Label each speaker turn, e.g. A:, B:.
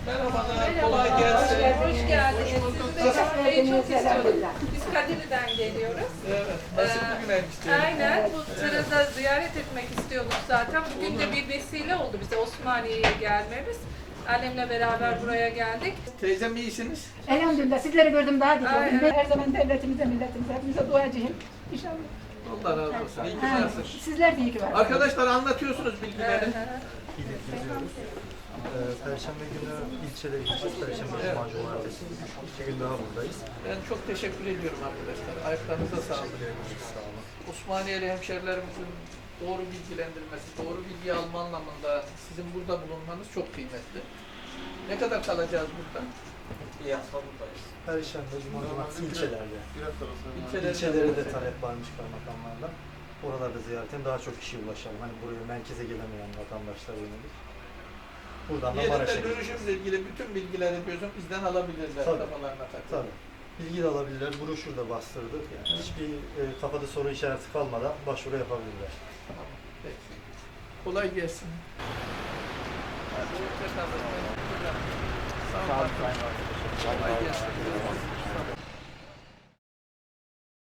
A: Merhabalar, kolay gelsin.
B: Hoş geldiniz. Sizi de görmeyi çok istiyorduk. Biz Kadirli'den geliyoruz.
A: Evet, nasipli güneymiş diyelim.
B: Aynen, bu sırada ziyaret etmek istiyorduk zaten. Bugün de bir vesile oldu bize Osmaniye'ye gelmemiz. Annemle beraber buraya geldik.
A: Teyzem iyisiniz?
C: Elhamdülillah sizleri gördüm daha güzel.
B: Aynen.
C: Ben her zaman devletimize, milletimize, hepimize duacıyım. İnşallah.
A: Allah razı olsun. İyi ki
C: Ha,
A: varsınız.
C: sizler de iyi ki varsınız.
A: Arkadaşlar anlatıyorsunuz bilgileri.
D: İlk geziyoruz. Perşembe günü ilçede gideceğiz. Perşembe Cuma Cumartesi. 2 gün daha buradayız.
A: Ben çok teşekkür ediyorum arkadaşlar. Ayaklarınıza sağlık.
D: Sağ olun.
A: Osmaniyeli hemşerilerimizin doğru bilgilendirmesi, doğru bilgi alma anlamında sizin burada bulunmanız çok kıymetli. Ne kadar kalacağız burada?
D: Bir hafta buradayız. Perşembe, Cuma, Cumartesi ilçelerde.
A: İlçelerde
D: İlçelere de talep varmış kaymakamlardan. Oralarda ziyaretin daha çok kişiye ulaşalım. Hani buraya merkeze gelemeyen vatandaşlara yönelik. Buradan da Maraş'a
A: Yerinde
D: gideceğiz.
A: dönüşümle ilgili bütün bilgileri diyorsun bizden alabilirler.
D: Tabii.
A: Kafalarına takıp.
D: Tabii. Bilgi de alabilirler. Broşür de bastırdık. Yani hiçbir kafada soru işareti kalmadan başvuru yapabilirler.
A: Tamam, peki. Kolay gelsin. Hadi hoşça kalın. Sağ olun. Kolay gelsin.